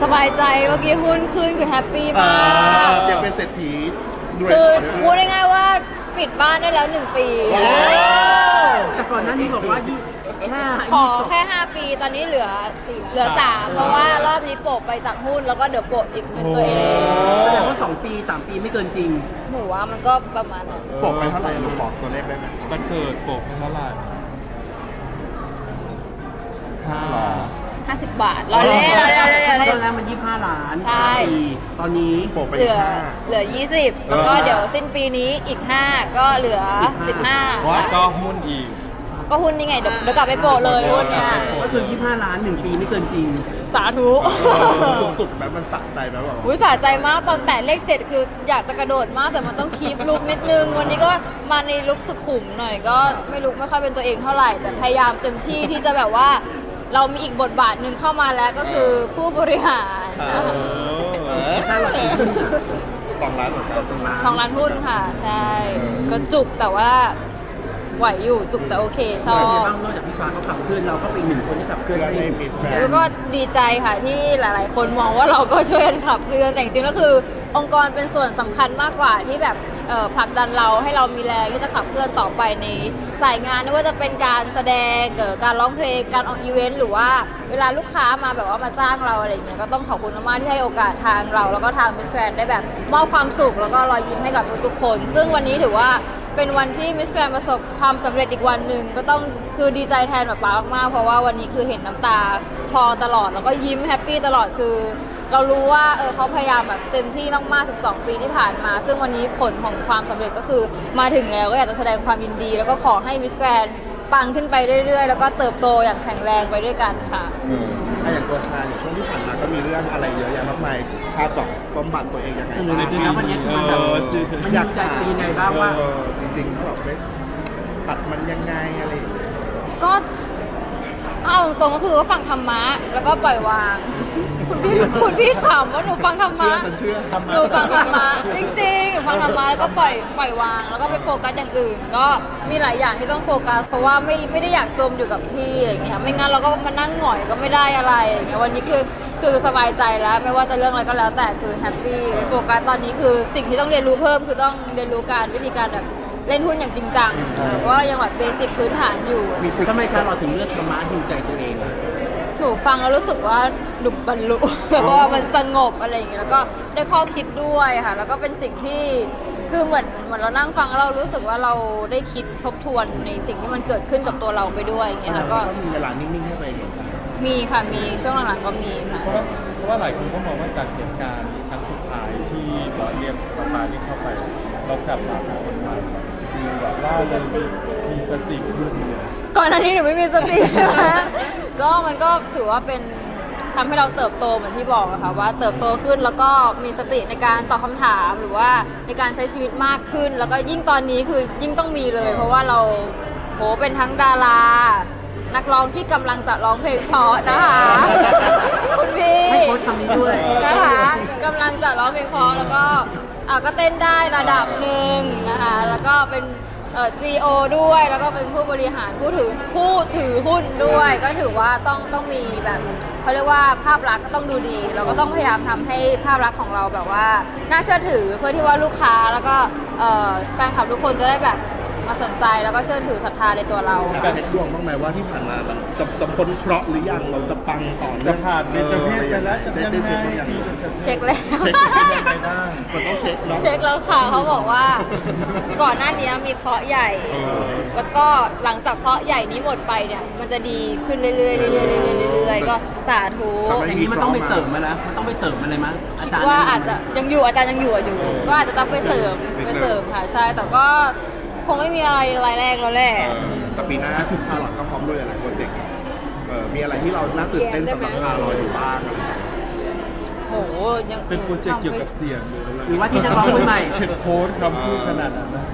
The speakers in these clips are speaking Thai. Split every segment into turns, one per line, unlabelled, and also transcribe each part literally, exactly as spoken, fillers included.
สบายใจเมื่อกี้หุ้นขึ้นคือแฮปปี้มาก
ยังเป็นเศรษฐีด้วย
คือพูดง่ายๆว่าปิดบ้านได้แล้วหนึ่งปี
แต่ก่อนหน้านี้บอกว่ายี่แค่
ขอแค่ห้าปีตอนนี้เหลือเหลือสามเพราะว่ารอบนี้โปะไปจากหุ้นแล้วก็เดี๋ยวโปะอีกเงินตัวเอง
แสดงว่าสองปีสามปีไม่เกินจริง
หนูว่ามันก็ประมาณนั้น
ปกไปเท่าไหร่ลูกบอกตัวเลขได้ไหม
มันเกิดโปกเท่าไหร่ห้า
ห้าสิบบาทรอเล่นรอเล่นรอเล่นรอ
ต
เล่
อน นแรกมันยี่ห้าล้าน
ใช่
ปีตอนนี้
ปกไป
เหลือ
ห้า
เหลือยี่สิบแล้วก็เดี๋ยวสิ้นปีนี้อีกห้าก็เหลือสิบห้า
ว้า
ก็หุ้นอีก
ก็หุ้นนี่ไงเดี๋ยวเดี๋ยวกลับไปโปะเลยหุ้นเนี่ย
ก็คือยี่ห้าล้านหนึ่งปีไม่เกินจริง
สาธุ
สุดๆแบบมันสะใจแบบว่า
อุ้ยสะใจมากตอนแต่เลขเจ็ดคืออยากจะกระโดดมากแต่มันต้องคีปลุกนิดนึง วันนี้ก็มาในลุกสุขุมหน่อยก็ไม่ลุกไม่ค่อยเป็นตัวเองเท่าไหร่ แต่พยายามเต็มที่ที่จะแบบว่า เรามีอีกบทบาทหนึ่งเข้ามาแล้วก็คือผู้บริหารนะคะ
เออ
ถ้าเราถือหุ้นอะ
สองล้านเหมือนกันสองล้าน
สองล้านหุ้นค่ะ ใช่ ก็จุกแต่ว่าไหวอยู่จุกแต่โอเคชอ
เป็นไง
บ
บ้างนอกจากพี่ฟ้าเขาขับเคลื่อนเราก็เป็นอีกหนึ่งคนที่ขับเคลื่อน
เพื่อน
ให้
ให้ปิดแฟน
แล้วก็ดีใจค่ะที่หลาย ๆ คนมองว่าเราก็ช่วยกันขับเคลื่อนแต่จริงๆแล้วคือองค์กรเป็นส่วนสำคัญมากกว่าที่แบบเอ่อผลักดันเราให้เรามีแรงที่จะขับเคลื่อนต่อไปในสายงานไม่ว่าจะเป็นการแสดงเอ่อการร้องเพลงการออกอีเวนต์หรือว่าเวลาลูกค้ามาแบบว่ามาจ้างเราอะไรอย่างเงี้ยก็ต้องขอบคุณมากๆที่ให้โอกาสทางเราแล้วก็ทางมิสแกรนได้แบบมอบความสุขแล้วก็รอยยิ้มให้กับทุกๆคน ซึ่งวันนี้ถือว่าเป็นวันที่มิสแกรนประสบความสำเร็จอีกวันหนึ่งก็ต้องคือดีใจแทนแบบป๊ามากๆเพราะว่าวันนี้คือเห็นน้ำตาคลอตลอดแล้วก็ยิ้มแฮปปี้ตลอดคือ เรารู้ว่าเออเขาพยายามแบบเต็มที่มากๆสิบสองปีที่ผ่านมา ซึ่งวันนี้ผลของความสำเร็จก็คือมาถึงแล้วก็อยากจะแสดงความยินดี แล้วก็ขอให้มิสแกรนปังขึ้นไปเรื่อยๆ แล้วก็เติบโตอย่างแข็งแรงไปด้วยกันค่ะ
เอออ่ะอย่างตัวชาอย่างช่วงที่ผ่านมาก็มีเรื่องอะไรเยอะแยะมากมายชาแบบบำบัดตัวเองยังไง
เออ
บ้าง
จริงๆแล้ววันนี้คือมันแบบ
เออ
มันอยากใจเป็นยังไงบ้างว่า
เออจริงๆถ้าแบบไม่ตัดมันยังไงอะไรอย่างเงี้ย
ก็เอาตรงๆก็คือว่าฟังธรรมะแล้วก็ปล่อยวาง คุณพี่คุณพี่ขำว่าหนูฟังธรร
เชื่
มะ
อฉันเชื่อ
หนูฟังธรรมะจริงๆหนูฟังธรรมะแล้วก็ปล่อยปล่อยวาง แล้วก็ไปโฟกัสอย่างอื่น ก็มีหลายอย่างที่ต้องโฟกัส เพราะว่าไม่ไม่ได้อยากจมอยู่กับที่อะไรอย่างเงี้ยไม่งั้นเราก็มานั่งหงอยก็ไม่ได้อะไรอย่างเงี้ยวันนี้คือคือสบายใจแล้วไม่ว่าจะเรื่องอะไรก็แล้วแต่คือแฮปปี้โฟกัสตอนนี้คือสิ่งที่ต้องเรียนรู้เพิ่มคือต้องเรียนรู้การวิธีการแบบเล่นหุ้นอย่างจริงจังเพราะว่ายังแบบเบสิกพื้นฐานอยู่
มีทำไมคะเราถึงเลือกธรรมะฮิวใจตัวเองอะ
หนูฟังแล้วรู้สึกว่าหนุบรรลุ เพราะว่ามันสงบอะไรอย่างเงี้ยแล้วก็ได้ข้อคิดด้วยค่ะ แล้วก็เป็นสิ่งที่คือเหมือนเหมือนเรานั่งฟังแล้วเรารู้สึกว่าเราได้คิดทบทวนในสิ่งที่มันเกิดขึ้นกับตัวเราไปด้วยอย่างเงี้ยค่ะก็
ก็มีเวลานิ่งๆให้ตัวเองเหมือนกัน
มีค่ะมีช่วงหลังๆก็มีค่ะ
เพราะว่าเพราะว่าหลายคนก็มองว่าจากเหตุการณ์ครั้งสุดท้ายที่บอสเรียกประปาเรียกเข้าไปเรากลับมาเป็นคนใหม่มีแบบว่าเรามีสติขึ้นเนี่ย
ก่อนหน้านี้หนูไม่มีสติ นะก็มันก็ถือว่าเป็นทำให้เราเติบโตเหมือนที่บอกอะค่ะว่าเติบโตขึ้นแล้วก็มีสติในการตอบคำถามหรือว่าในการใช้ชีวิตมากขึ้น แล้วก็ยิ่งตอนนี้คือยิ่งต้องมีเลย เพราะว่าเราโหเป็นทั้งดารา นักร้องที่กำลังจะร้องเพลงเพราะนะคะ คุณพี่
ให้โค้ชคำนี้ด้วย
นะคะกำลังจะร้องเพลงเพราะแล้วก็อ่ะก็เต้นได้ระดับหนึ่งนะคะแล้วก็เป็นเอ่อซีอีโอด้วยแล้วก็เป็นผู้บริหารผู้ถือผู้ถือหุ้นด้วย ก็ถือว่าต้องต้องมีแบบเขาเรียกว่าภาพลักษณ์ก็ต้องดูดี เราก็ต้องพยายามทำให้ภาพลักษณ์ของเราแบบว่าน่าเชื่อถือเพื่อที่ว่าลูกค้าแล้วก็เอ่อแฟนคลับทุกคนจะได้แบบมาสนใจแล้วก็เชื่อถือศรัทธาในตัวเรา
แอบเช็คดวงบ้างไหมว่าที่ผ่านมาเราจะจะพ้นเคราะห์หรือยังเราจะปังต่อเนื่อง
จะผ่านเบญจเพศไปแล้วจะ
ได้
ยัง
ได้
ไง
เช็คบ้างยัง
เช็คแล้ว
เช็ค
ยังไงบ้าง
มันต้องเช็คเนาะ
เช็คแล้วค่ะเขาบอกว่าก่อนหน้านี้มีเคราะห์ใหญ่
เออ
แล้วก็หลังจากเคราะห์ใหญ่นี้หมดไปเนี่ยมันจะดีขึ้นเรื่อยๆเรื่อยๆเรื่อยๆเรื่อยๆก็สาธุ
อย่างนี้มันต้องไปเสริมมาแล้วมันต้องไปเสริมอะไรมั้ยอา
คิด
จารย์
ว่าอาจจะยังอยู่อาจารย์ยังอยู่อยู่ ก็อาจจะต้องไปเสริมไปเสริมค่ะใช่แต่ก็คงไม่มีอะไรรายแรกแล้วแหละ
เออแต่ปีหน้าชาลอตก็พร้อมด้วยหลายๆโปรเจกต์เออมีอะไรที่เราน่าตื่นเต้นสำหรับชาลอตอยู่บ้างอะไรอย่างเงี้ย
โหยัง
เป็นโปรเจกต์เกี่ยวกับเสียงหรืออะไร
หรือว่าที่จะร้องคนใหม่
เห็นโค้ดคำพูดขนาดนั้นนะ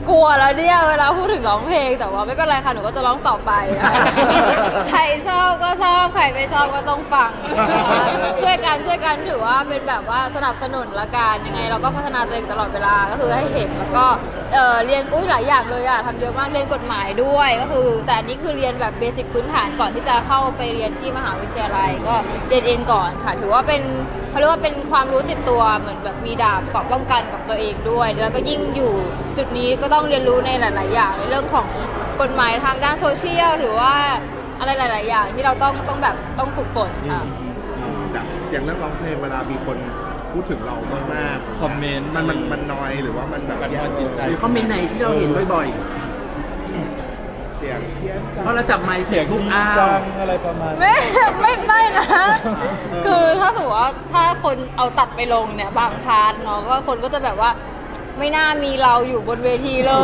กลัวแล้วเนี่ยเวลาพูดถึงร้องเพลงแต่ว่าไม่เป็นไรค่ะหนูก็จะร้องต่อไปนะคะใครชอบก็ชอบใครไม่ชอบก็ต้องฟังนะคะช่วยกันช่วยกันถือว่าเป็นแบบว่าสนับสนุนละกันยังไงเราก็พัฒนาตัวเองตลอดเวลาก็คือให้เห็นแล้วก็เอ่อเรียนอุ้ยหลายอย่างเลยอะทำเยอะมากเรียนกฎหมายด้วยก็คือแต่อันนี้คือเรียนแบบเบสิกพื้นฐานก่อนที่จะเข้าไปเรียนที่มหาวิทยาลัยก็เรียนเองก่อนค่ะถือว่าเป็นเขาเรียกว่าเป็นความรู้ติดตัวเหมือนแบบมีดาบเกราะป้องกันกับตัวเองด้วยแล้วก็ยิ่งอยู่จุดนี้ก็ต้องเรียนรู้ในหลาย ๆ อย่างในเรื่องของกฎหมายทางด้านโซเชียลหรือว่าอะไรหลาย ๆ อย่างที่เราต้องต้องแบบต้องฝึกฝนค่ะ
อย่างอย่างเรื่องร้องเพลงเวลามีคนพูดถึงเรามากๆ
คอมเมนต์
มันมันมันน้อยหรือว่ามันแบบ
กัน
แย่
ว่าจิตใจ
หรือคอมเมนต์ไหนที่เราเห็นบ่อย
เสียงเพี้ยน
ๆ
จัง
เพราะเราจับไมค์
เสี
เสี
ย
ย
ง
งทุก
ดี
อ้า
จั
ว
งอะไรประมาณ
ไม่ไม่ไม่นะ คือถ้าสมมติว่าถ้าคนเอาตัดไปลงเนี่ยบางพาร์ทเนาะก็คนก็จะแบบว่าไม่น่ามีเราอยู่บนเวทีเลย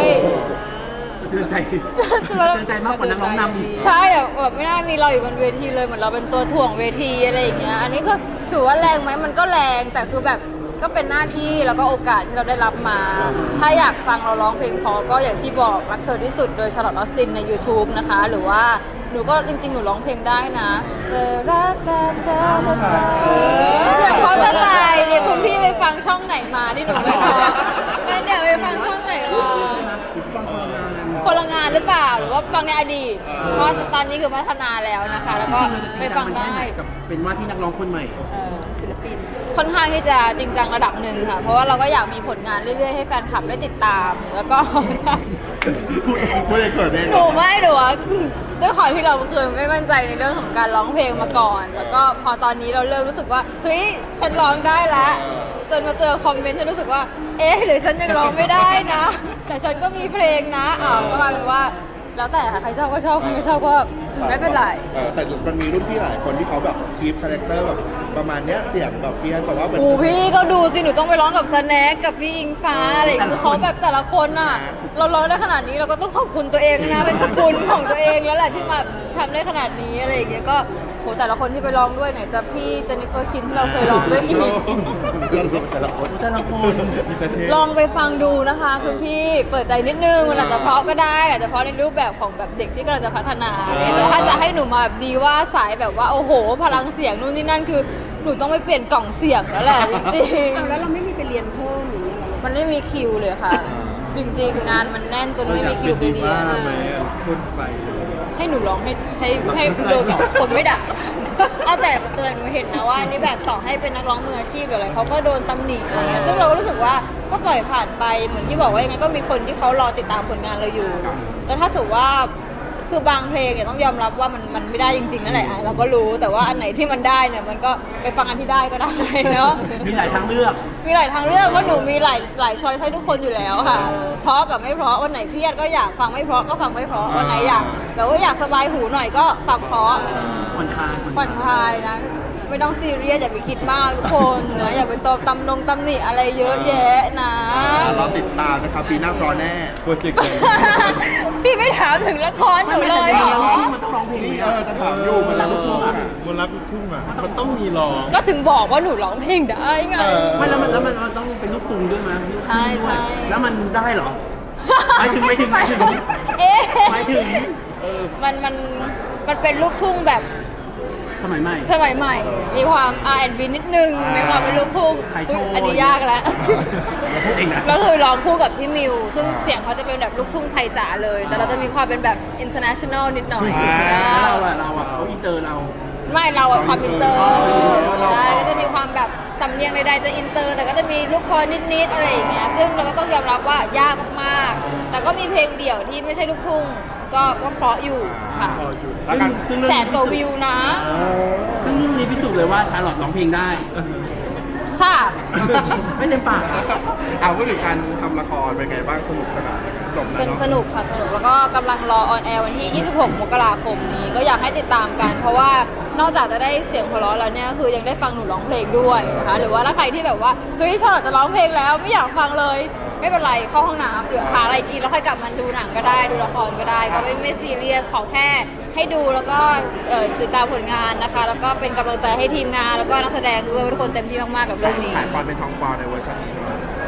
เตือนใจเตือนใจมากกว่านักร้องนำอีก
ใช่อะแบบไม่น่ามีเราอยู่บนเวทีเลยเหมือนเราเป็นตัวถ่วงเวทีอะไรอย่างเงี้ยอันนี้ก็ถือว่าแรงไหมมันก็แรงแต่คือแบบก็เป็นหน้าที่แล้วก็โอกาสที่เราได้รับมา ถ้าอยากฟังเราร้องเพลงเพอก็อย่างที่บอกรักเธอที่สุดโดยชาร์ลอตออสตินใน YouTube นะคะ หรือว่าหนูก็จริงๆ หนูร้องเพลงได้นะจะรักแต่เธอและเธอเสียงเพราะจะตายเนี่ยคุณพี่ไปฟังช่องไหนมาที่หนูไม่พอไม่เนี่ยไปฟังช่องไหนมา
ฟังพลังงาน
คนละงานหรือเปล่าหรือว่าฟังในอดีต เพราะตอนนี้คือพัฒนาแล้วนะคะ แล้วก็ไปฟังได้
กับเป็นว่าที่นักร้องคนใหม่
ศิลปินค่อนข้างที่จะจริงจังระดับหนึ่งค่ะ เพราะว่าเราก็อยากมีผลงานเรื่อยๆให้แฟนคลับได้ติดตาม แล้วก็
พูดพูดเลยเกิดเอง
หนูไม่หนูว่าด้วยความที่เราเคยไม่มั่นใจในเรื่องของการร้องเพลงมาก่อน แล้วก็พอตอนนี้เราเริ่มรู้สึกว่าเฮ้ยฉันร้องได้แล้วจนมาเจอคอมเมนต์ฉันรู้สึกว่า เอ๊ะหรือฉันยังร้องไม่ได้นะ แต่ฉันก็มีเพลงนะอ้าวก็กลายเป็นว่าแล้วแต่ค่ะใครชอบก็ชอบใครไม่ชอบก็ไม่เป็นไร
เออแต่มันมีรุ่นพี่หลายคนที่เขาแบบคีปคาแรคเตอร์แบบประมาณเนี้ยเสียงแบบเพี้ยนแต่ว่าเป็น
โอ้พี่ก็ดูสิหนูต้องไปร้องกับสแน็คกับพี่อิงฟ้าอะไรอย่างเงี้ยคือเขาแบบแต่ละคนอ่ะ เราร้องได้ขนาดนี้เราก็ต้องขอบคุณตัวเองนะเป็นบุญของตัวเองแล้วแหละที่มาทำได้ขนาดนี้อะไรอย่างเงี้ยก็โหแต่ละคนที่ไปร้องด้วยไหนจะพี่เจนนิเฟอร์คิมที่เราเคยร้องด้วยอีก
แต่ละคน
แต่ละคน
ลองไปฟังดูนะคะคุณพี่เปิดใจนิดนึงมันอาจจะเพราะก็ได้อาจจะเพราะในรูปแบบของแบบเด็กที่กำลังจะพัฒนาเนี่ยแต่ถ้าจะให้หนูมาแบบดีว่าสายแบบว่าโอ้โห พลังเสียงนู่นนี่นั่นคือหนูต้องไปเปลี่ยนกล่องเสียงแล้วแหละจริงๆ
แล้วเราไม่มีไปเรียนเพิ่มหรืออะไร
มันไม่มีคิวเลยค่ะ จริงๆ งานมันแน่นจนไม่มีคิวไปเรียน
ทำไมอ่ะพ่นไฟเลย
ให้หนูร้องให้ให้ให้โดนคนไม่ด่าเอาแต่เตือนหนูเห็นนะว่าอันนี่แบบต่อให้เป็นนักร้องมืออาชีพหรืออะไรเขาก็โดนตำหนิอะไรเงี้ยซึ่งเราก็รู้สึกว่าก็ปล่อยผ่านไปเหมือนที่บอกว่ายังไงก็มีคนที่เขารอติดตามผลงานเราอยู่ แล้วถ้าสมมติว่าคือบางเพลงเนี่ยต้องยอมรับว่ามันมันไม่ได้จริงๆนั่นแหละอ่ะเราก็รู้แต่ว่าอันไหนที่มันได้เนี่ยมันก็ไปฟังอันที่ได้ก็ได้เนาะ
มีหลายทางเลือก
มีหลายทางเลือกเพราะหนูมีหลายหลายช้อยให้ทุกคนอยู่แล้วค่ะ เพราะกับไม่เพราะวันไหนเครียดก็อยากฟังไม่เพราะก็ฟังไม่เพราะวันไหนอยากแบบว่าอยากสบายหูหน่อยก็ฟังเพราะ
ผ่อนคลาย
ผ่อนคลายนะ ไม่ต้องซีเรียสอย่าไปคิดมากทุกคนนะอย่าไปตบตำนงตำหนิอะไรเยอะแยะนะ
เราติดตามนะครับปีหน้าพรอแน่
โปรเจกต์ใหญ่
พี่ไม่ถามถึงละครหนูเลยเหรอ
มันต้องร้องเพลง
นี่เออจะถามอยู่มันรักลูกทุ่งอ่ะ
บนรับลูกทุ่งอ่ะมันต้องมีร้อง
ก็ถึงบอกว่าหนูร้องเพลงได้ไง
เออ
ไม่แล้วมันแล้วมันมันต้องเป็นลูกกรุงด้วยมั้ย
ใช่ใช่
แล้วมันได้เหรอ หมายถึงหมายถึงหมายถึง
เอ๊ะ
หมายถึง
มันมันมันเป็นลูกทุ่งแบบ
สมัยใหม่
สมัยใหม่ มีความ อาร์ แอนด์ บี นิดนึงในความเป็นลูกทุ่ง
ขายโชว์
อันนี้ยากแล้ว
เราพูดเองนะ
แล้วคือร้องคู่กับพี่มิว ซึ่งเสียงเขาจะเป็นแบบลูกทุ่งไทยจ๋าเลย แต่เราจะมีความเป็นแบบ international นิดหน่อย
แล้วเราอะเราอะเขาอินเตอร์เรา
ไม่เราอะความอินเตอร์
อ๋อเรา
ใช่ก็จะมีความแบบสำเนียงใดๆจะอินเตอร์ แต่ก็จะมีลูกคอนิดๆอะไรอย่างเงี้ย ซึ่งเราก็ต้องยอมรับว่ายากมากๆ แต่ก็มีเพลงเดี่ยวที่ไม่ใช่ลูกทุ่ง ก็ก็เพราะอยู่ค่ะ
แล้วกัน
ซึ่งเรื่อง
แสนกว่าวิวนะ
ซึ่งเรื่องนี้พิสูจน์เลยว่าชาร์ลอตร้องเพลงได้
ค่ะ
ไม่เต็มปาก
เอาพูดถึงการทำละครเป็นไงบ้างสนุกสนานไหมจบ
ส
แล้ว
นุก
เนาะ
สนุกค่ะสนุกแล้วก็กำลังรอออนแอร์วันที่ ยี่สิบหก มกราคมนี้ก็อยากให้ติดตามกัน เพราะว่านอกจากจะได้เสียงเพราะแล้วเนี่ยคือยังได้ฟังหนูร้องเพลงด้วยนะคะหรือว่าถ้าใครที่แบบว่าเฮ้ยชอบจะร้องเพลงแล้วไม่อยากฟังเลย ไม่เป็นไรเข้าห้องน้ำหรือหาอะไรกินแล้วค่อยกลับมาดูหนังก็ได้ดูละครก็ได้ ก็ไม่ไม่ซีเรียสขอแค่ให้ดูแล้วก็เอ่อติดตามผลงานนะคะ แล้วก็เป็นกำลังใจให้ทีมงานแล้วก็นักแสดงด้วยว่าทุกคนเต็มที่มากๆกับเรื่องนี้
ขายความเป็นทองปลอในเวอร์ชันนี้ด้วย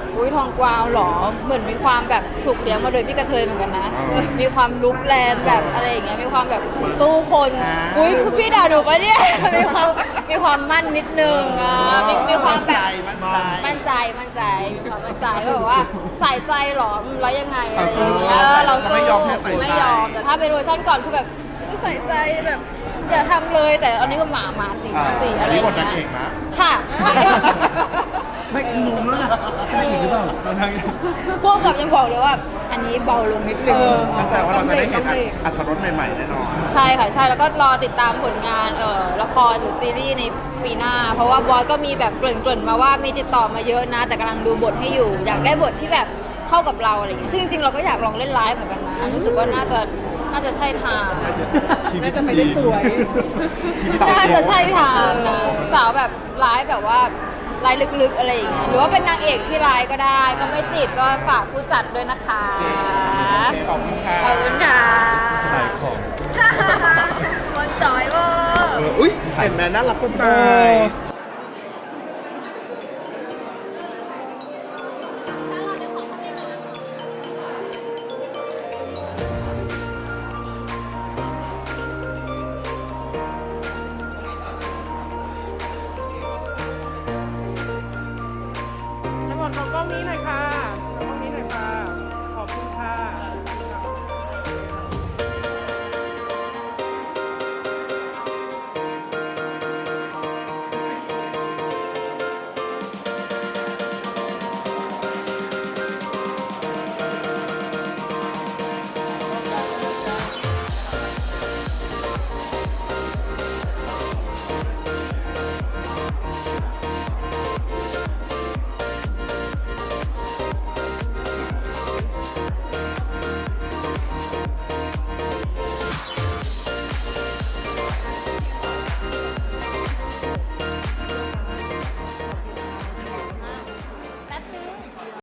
อุ้ยทองกวาวเหรอเหมือนมีความแบบถูกเลี้ยงมาโดยพี่กระเทยเหมือนกันนะ มีความลุกแรงแบบอะไรอย่างเงี้ยมีความแบบสู้คนอุ้ยพี่ด่าหนูปะเนี่ย มีความมีความมั่นนิดนึงอ่ะมีมีความแบบ
มั่นใจ
มั่นใจมั่นใจมีความมั่นใจก็แบบว่าใส่ใจเหรอแล้วยังไงอะไรอย่างเงี้ยเออเราสู้
ไม่ยอมแค่ใส่ใจ
ไม่ยอมแต่ถ้าเป็นเวอร์ชันก่อนคือแบบอุ๊ยใส่ใจแบบอย่าทำเลยแต่อันนี้ก็หมาหมาสีหมาสี
อั
อะ
น
ไรอ
นี้
ย่าง
บทนาง
เงี้
เอย กนะ
ค่ะ
ไม่งงแล้วนะไม่อีกหรือเปล่า
พวกกับยังบอกเลยว่า อันนี้เบาลงนิดนึง
ก็แสดงว่าเราจะได้เห็นอัตรสใหม่ๆแน่นอน
ใช่ค่ะใช่แล้วก็รอติดตามผลงานเอ่อละครหรือซีรีส์ในปีหน้า เพราะว่าบอสก็มีแบบเกริ่นๆมาว่ามีติดต่อมาเยอะนะ แต่กำลังดูบทให้อยู่ อยากได้บทที่แบบเข้ากับเราอะไรอย่างเงี้ยซึ่งจริงๆเราก็อยากลองเล่นไลฟ์เหมือนกันนะรู้สึกว่าน่าจะน่าจะใช่ทาง
ชีวิต
น่าจะไม่ได้สวย
น่าจะใช่ทางนะสาวแบบร้ายแบบว่าร้ายลึกๆอะไรอย่างเงี้ยหรือว่าเป็นนางเอกที่ร้ายก็ได้ ก็ไม่ติดก็ฝากผู้จัดด้วยนะคะ
ขอบคุณค่ะ
ขอบคุณค่ะ
ขายของ
คนจอยเวอร์
เอออุ้ยเห็นไหมน่ารักสดใส